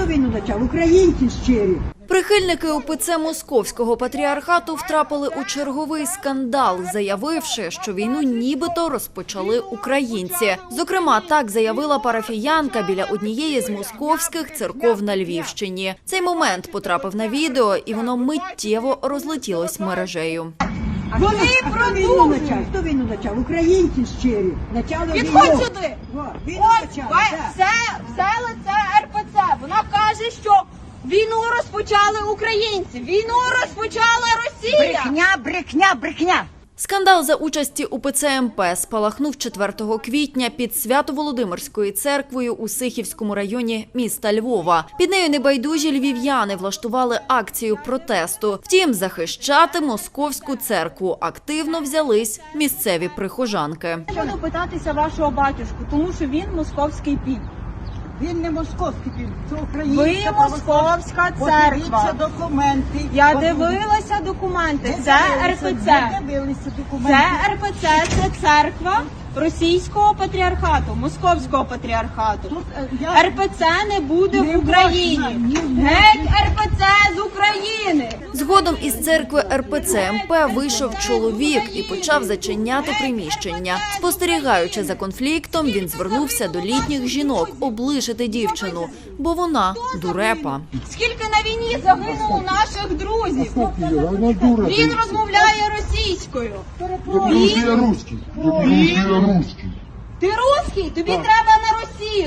війну почав? Українці щирі. Прихильники УПЦ Московського патріархату втрапили у черговий скандал, заявивши, що війну нібито розпочали українці. Зокрема, так заявила парафіянка біля однієї з московських церков на Львівщині. Цей момент потрапив на відео, і воно миттєво розлетілось мережею. Вони продовжують. Хто війну почав? Українці щирі. Підходь сюди. Ось, це лице РПЦ. Вона каже, що війну розпочали українці. Війну розпочала Росія. Брехня. Скандал за участі УПЦ МП спалахнув 4 квітня під Свято-Володимирською церквою у Сихівському районі міста Львова. Під нею небайдужі львів'яни влаштували акцію протесту. Втім, захищати московську церкву активно взялись місцеві прихожанки. Я буду питатися вашого батюшку, тому що він московський піп. Він не московський, це українська. Ви московська церква. Документи. Я дивилася документи. Це РПЦ. Це РПЦ, це церква російського патріархату, московського патріархату. РПЦ не буде в Україні. Геть РПЦ з України! Згодом із церкви РПЦ МП вийшов чоловік і почав зачиняти приміщення. Спостерігаючи за конфліктом, він звернувся до літніх жінок облишити дівчину, бо вона дурепа. Скільки на війні загинуло наших друзів? Він розмовляє російською. Я русский. Ти русський? Тобі треба на Росію.